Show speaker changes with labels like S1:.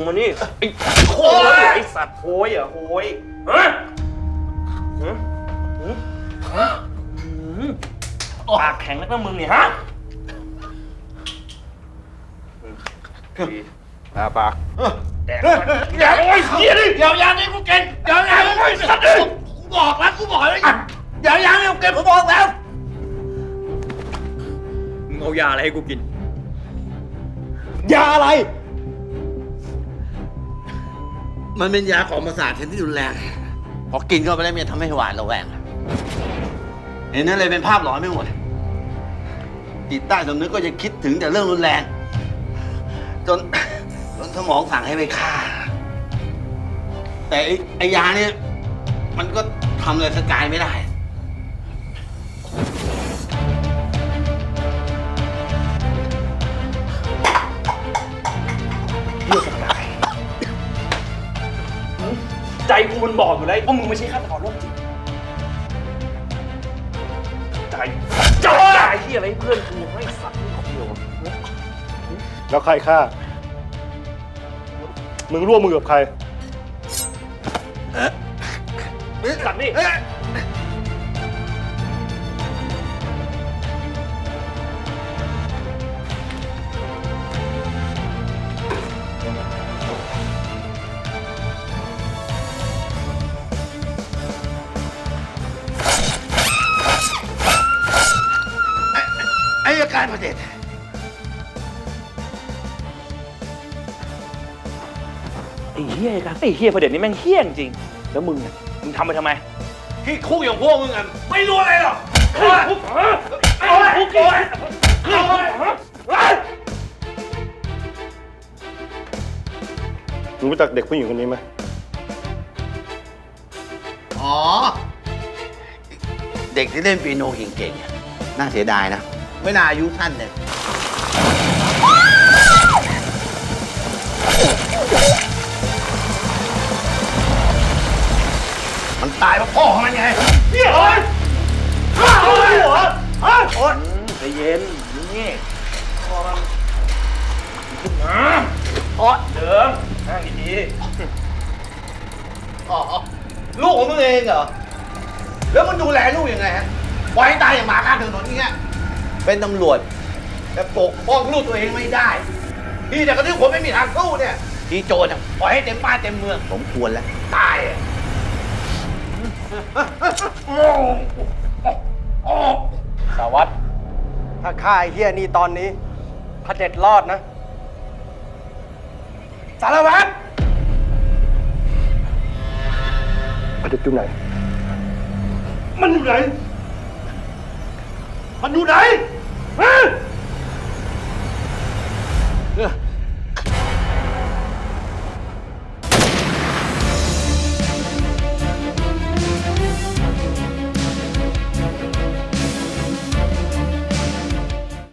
S1: มานี่ไอ้โค้ยไอ้สัตว์โค้ยอ่ะโค้ยฮะปากแข็งแล้วก็มึงเนี่ยฮะปากแดกอย่าโอ้ยเหี้ยดิอย่ายานี่กูเก่งอย่ายานี่กูสัตว์ดิกูบอกแล้วอย่ายานี่กูเก่งผมบอกแล้วมึงเอายาอะไรให้กูกิน
S2: ยาอะไร
S3: มันเป็นยาของประสาทชนิดที่รุนแรงพอกินเข้าไปแล้วมันทำให้หวาดระแวงเห็นนั่นเลยเป็นภาพหลอนไม่หมดจิตใต้สำนึกก็จะคิดถึงแต่เรื่องรุนแรงจนสมองสั่งให้ไปฆ่าแต่ไอ้ยาเนี่ยมันก็ทำอะไรสกายไม่ได้
S1: เลือกสกายใจกูมันบอกอยู่แล้วว่ามึงไม่ใช่ฆาตกรโรคจิตใจที่อะไรเพื่อนกูให้สัตว์คนเดียว
S2: แล้วใครฆ่ามึงร่วมมือกับใคร
S1: สัตว์นี่
S3: อายการประเด็น
S1: ไอ้เหี้ยกันไอ้เหี้ยประเด็นนี้แม่งเหี้ยจริงแล้วมึงทำไปทำไมที่คุกอย่างพวกมึงอ่ะไม่รู้อะไรหรอกคุก
S2: มึงรู้จักเด็กผู้หญิงคนนี้ไหม
S3: อ๋อเด็กที่เล่นเปียโนเก่งๆน่าเสียดายนะไม่น่าอายุสั้นเลยมันตายเพราะพ่อของมันไง
S1: เนี่ยโอ๊ยโอ๊ยโอ๊ยใจเย็นนี่พอมันขึ้นมาโอ๊ยเดิมนั่งดี
S3: ๆอ๋อลูกของมึงเองเหรอแล้วมึงดูแลลูกยังไงฮะปล่อยให้ตายอย่างหมาข้างถนนอย่างเงี้ยเป็นตำรวจแต่ปกป้องลูกตัวเองไม่ได้ที่แต่ก็ที่คนไม่มีทางสู้เนี่ยที่โจรปล่อยให้เต็มบ้านเต็มเมืองสมควรแล้วตาย
S2: สารวัตรถ้าฆ่าไอ้เหี้ยนี่ตอนนี้พระเด็จรอดนะสารวัตรพระเด็จอยู่ไหนมันอยู่ไหนฮะ